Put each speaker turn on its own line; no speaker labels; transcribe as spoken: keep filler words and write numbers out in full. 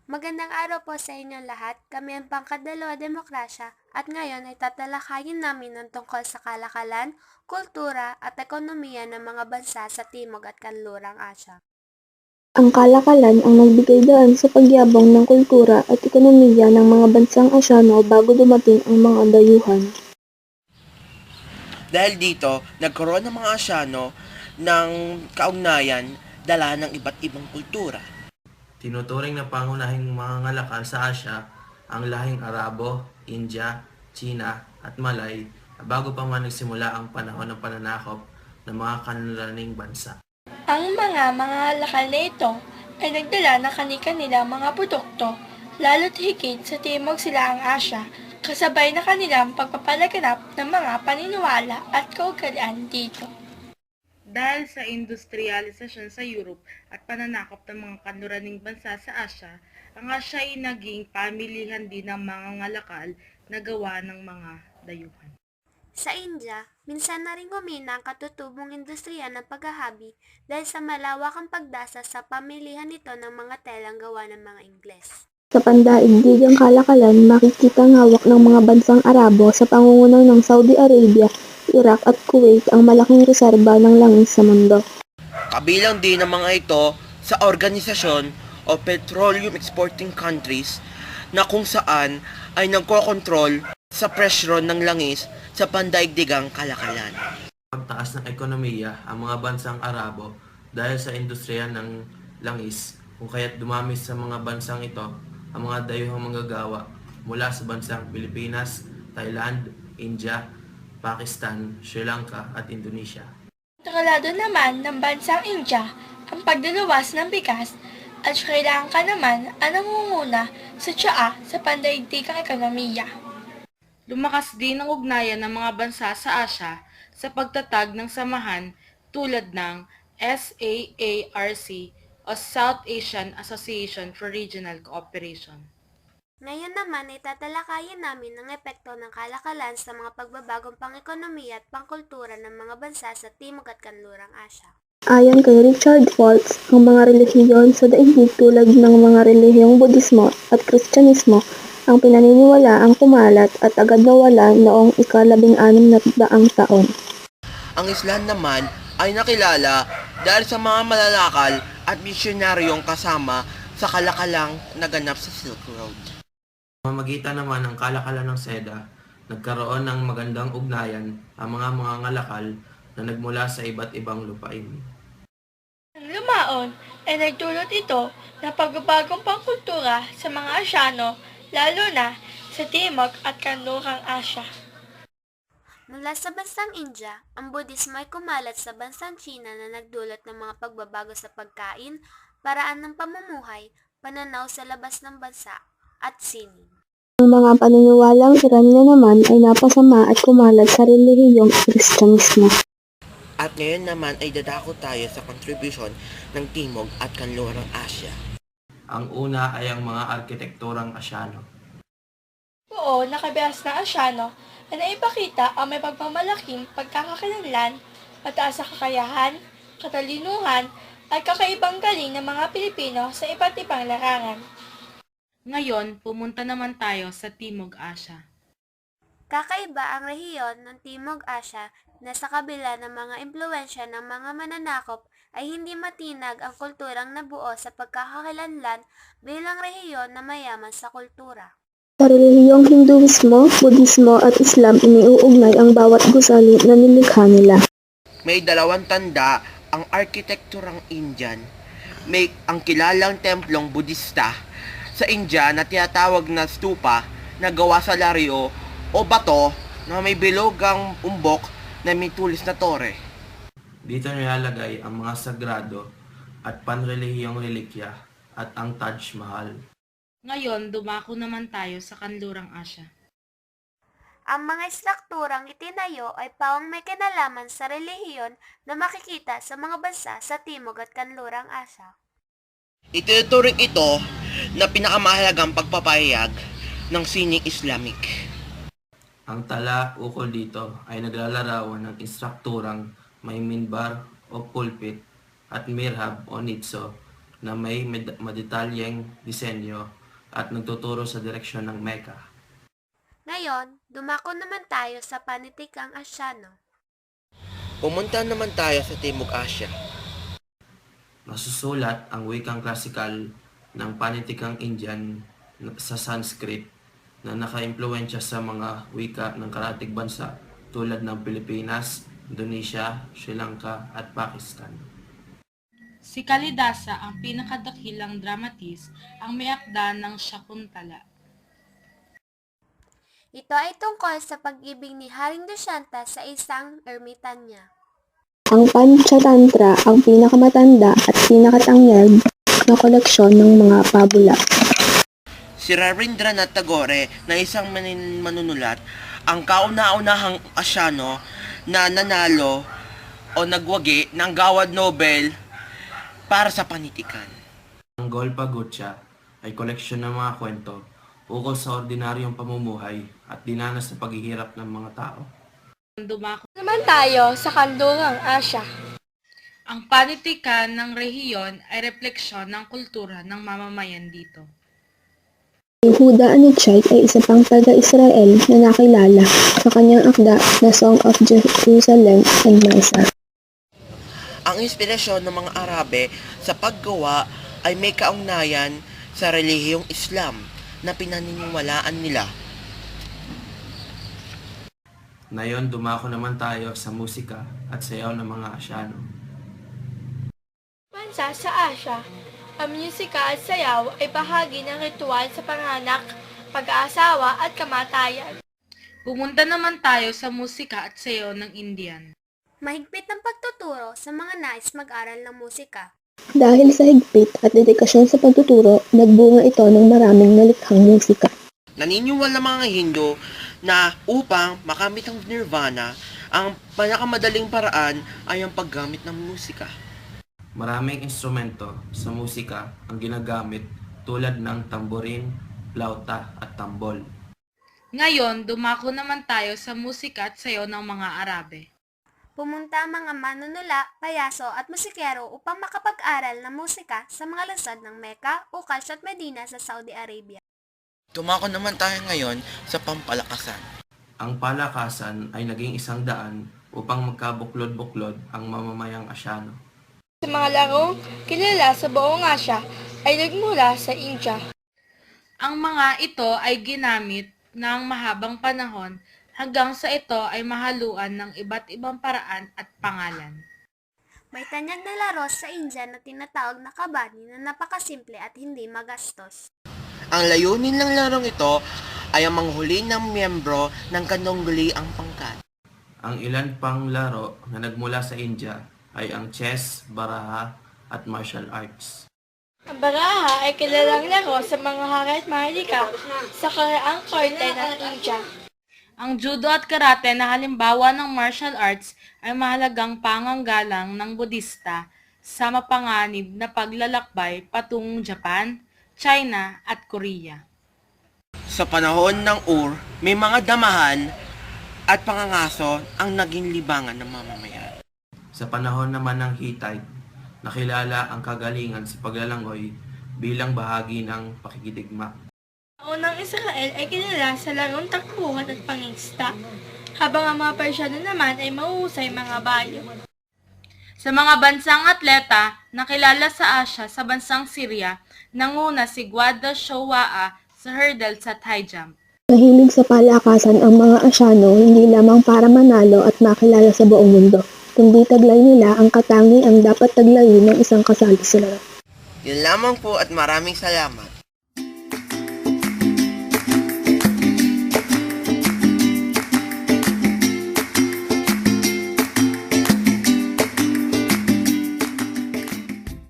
Magandang araw po sa inyong lahat. Kami ang Pangkadalawa Demokrasya at ngayon ay tatalakayin namin ang tungkol sa kalakalan, kultura at ekonomiya ng mga bansa sa Timog at Kanlurang Asya.
Ang kalakalan ang nagbigay daan sa pagyabong ng kultura at ekonomiya ng mga bansang Asyano bago dumating ang mga dayuhan.
Dahil dito, nagkaroon ng mga Asyano ng kaugnayan dala ng iba't ibang kultura.
Tinuturing na pangunahing mga ngalakal sa Asya ang lahing Arabo, India, China at Malay na bago pa man nagsimula ang panahon ng pananakop ng mga kanluraning bansa.
Ang mga mga lakal na ito ay nagdala ng kani-kanilang mga produkto, lalo't higit sa Timog Silaang Asya, kasabay na kanilang pagpapalaganap ng mga paniniwala at kaugalian dito.
Dahil sa industrialisasyon sa Europe at pananakop ng mga kanluraning bansa sa Asya, ang Asya ay naging pamilihan din ng mga ngalakal na gawa ng mga dayuhan.
Sa India, minsan na rin humina ang katutubong industriya ng paghahabi dahil sa malawakang pagdasa sa pamilihan nito ng mga telang gawa ng mga Ingles.
Sa pandaigdigang kalakalan, makikita ang hawak ng mga bansang Arabo sa pangunguna ng Saudi Arabia, Iraq at Kuwait ang malaking reserba ng langis sa mundo.
Kabilang din ang mga ito sa organisasyon o Petroleum Exporting Countries na kung saan ay nagkokontrol sa presyo ng langis sa pandaigdigang kalakalan.
Pagtaas ng ekonomiya ang mga bansang Arabo dahil sa industriya ng langis, kung kaya't dumami sa mga bansang ito ang mga dayuhang manggagawa mula sa bansang Pilipinas, Thailand, India, Pakistan, Sri Lanka at Indonesia.
Kontrolado naman ng bansang India ang pagdalawas ng bigas at Sri Lanka naman ang nangunguna sa tsaa sa pandaigdigang ekonomiya.
Lumakas din ang ugnayan ng mga bansa sa Asya sa pagtatag ng samahan tulad ng S A A R C o South Asian Association for Regional Cooperation.
Ngayon naman ay tatalakayin namin ang epekto ng kalakalan sa mga pagbabagong pang-ekonomiya at pangkultura ng mga bansa sa Timog at Kanlurang Asya.
Ayon kay Richard Foltz, ang mga relihiyon sa daigdig tulad ng mga relihiyong Budismo at Kristyanismo ang pinaniniwala ang kumalat at agad nawala noong ikalabing anim na daang taon.
Ang Islam naman ay nakilala dahil sa mga malalakal at misyonaryong kasama sa kalakalang naganap sa Silk Road.
Pamamagitan naman ng kalakalan ng seda, nagkaroon ng magandang ugnayan ang mga mga ngalakal na nagmula sa iba't ibang lupain.
Ang lumaon ay nagdulot ito ng pagbabagong pangkultura sa mga Asyano, lalo na sa Timog at Kanlurang Asya.
Mula sa bansang India, ang Budismo ay kumalat sa bansang China na nagdulot ng mga pagbabago sa pagkain, paraan ng pamumuhay, pananaw sa labas ng bansa, at sining.
Ang mga paniniwalang Iranya naman ay napasama at kumalat sa relihiyong Kristyanismo.
At ngayon naman ay dadako tayo sa contribution ng Timog at Kanlurang Asya.
Ang una ay ang mga arkitekturang Asyano.
Oo, nakabihas na Asyano na naipakita ang may pagmamalaking pagkakakilanlan, mataas na kakayahan, katalinuhan, at kakaibang galing ng mga Pilipino sa iba't ibang larangan.
Ngayon, pumunta naman tayo sa Timog Asya.
Kakaiba ang rehiyon ng Timog Asya na sa kabila ng mga impluensya ng mga mananakop ay hindi matinag ang kulturang nabuo sa pagkakakilanlan bilang rehiyon na mayaman sa kultura.
Sa relihiyong Hinduismo, Budismo at Islam iniuugnay ang bawat gusali na nilikha nila.
May dalawang tanda ang arkitekturang Indian. May ang kilalang templong Budista sa India na tinatawag na stupa na gawa sa laryo o bato na may bilogang umbok na may tulis na tore.
Dito nilalagay ang mga sagrado at panrelihiyong relikya at ang Taj Mahal.
Ngayon, dumako naman tayo sa Kanlurang Asya.
Ang mga istrukturang itinayo ay pawang may kinalaman sa relihiyon na makikita sa mga bansa sa Timog at Kanlurang Asya.
Itinuturing ito na pinakamahalagang pagpapahayag ng sining Islamic.
Ang tala ukol dito ay naglalarawan ng instrukturang may minbar o pulpit at mirhab o nitso na may med- madetalyeng disenyo at nagtuturo sa direksyon ng Mecca.
Ngayon, dumako naman tayo sa panitikang Asyano.
Pumunta naman tayo sa Timog Asya.
Nasusulat ang wikang klasikal ng panitikang Indian sa Sanskrit na nakaimpluwensya sa mga wika ng karatig bansa tulad ng Pilipinas, Indonesia, Sri Lanka at Pakistan.
Si Kalidasa ang pinakadakilang dramatist ang may akda ng Shakuntala.
Ito ay tungkol sa pag-ibig ni Haring Dushyanta sa isang ermitan niya.
Ang Panchatantra ang pinakamatanda at pinakatangyag na koleksyon ng mga pabula.
Si Rabindranath Tagore na isang manin- manunulat, ang kauna-unahang Asyano na nanalo o nagwagi ng Gawad Nobel para sa panitikan.
Ang Golpa Gotcha ay koleksyon ng mga kwento ukol sa ordinaryong pamumuhay at dinanas na paghihirap ng mga tao.
Dumako
Naman tayo sa Kanlurang Asya.
ang panitikan ng rehiyon ay refleksyon ng kultura ng mamamayan dito.
Yehuda Anichite ay isa pang taga-Israel na nakilala sa kanyang akda na Song of Jerusalem and Misa.
Ang inspirasyon ng mga Arabe sa paggawa ay may kaugnayan sa relihiyong Islam na pinaniniwalaan nila.
Ngayon, dumako naman tayo sa musika at sayaw ng mga Asyano.
Bansa sa Asya, ang musika at sayaw ay bahagi ng ritual sa panganak, pag-aasawa at kamatayan.
Pumunta naman tayo sa musika at sayaw ng Indian.
Mahigpit ang pagtuturo sa mga nais mag-aral ng musika.
Dahil sa higpit at dedikasyon sa pagtuturo, nagbunga ito ng maraming nalikhang musika.
Naniniwala mga Hindu na upang makamit ang nirvana, ang pinakamadaling paraan ay ang paggamit ng musika.
Maraming instrumento sa musika ang ginagamit tulad ng tamborin, flauta at tambol.
Ngayon, dumako naman tayo sa musika at sayaw ng mga Arabe.
Pumunta ang mga manunula, payaso at musikero upang makapag-aral ng musika sa mga lungsod ng Mecca, Uqash at Medina sa Saudi Arabia.
Tumako naman tayo ngayon sa pampalakasan.
Ang palakasan ay naging isang daan upang magkabuklod-buklod ang mamamayang Asyano.
Sa mga larong kilala sa buong Asya ay nagmula sa India.
Ang mga ito ay ginamit ng mahabang panahon hanggang sa ito ay mahaluan ng iba't ibang paraan at pangalan.
May tanyag na laro sa India na tinatawag na kabani na napakasimple at hindi magastos.
Ang layunin ng larong ito ay ang manghuli ng miyembro ng kanungguli ang pangkat.
Ang ilan pang laro na nagmula sa India ay ang chess, baraha at martial arts.
Ang baraha ay kilalang laro sa mga hari at mahalika sa karaang korte ng India.
Ang judo at karate na halimbawa ng martial arts ay mahalagang panganggalang ng Budista sa mapanganib na paglalakbay patungong Japan, China at Korea.
Sa panahon ng Ur, may mga damahan at pangangaso ang naging libangan ng mamamayan.
Sa panahon naman ng Hittite, nakilala ang kagalingan sa paglalangoy bilang bahagi ng pakikidigma.
Ang unang Israel ay kilala sa larong takbuhan at pangingsta, habang ang mga Persyano naman ay mahusay mga bayo.
Sa mga bansang atleta na kilala sa Asya sa bansang Syria, nanguna si Gwada Showa'a sa hurdles at high jump.
Mahilig sa palakasan ang mga Asyano hindi lamang para manalo at makilala sa buong mundo, kundi taglay nila ang katangiang dapat taglayin ng isang kasali sila.
Yun lamang po at maraming salamat.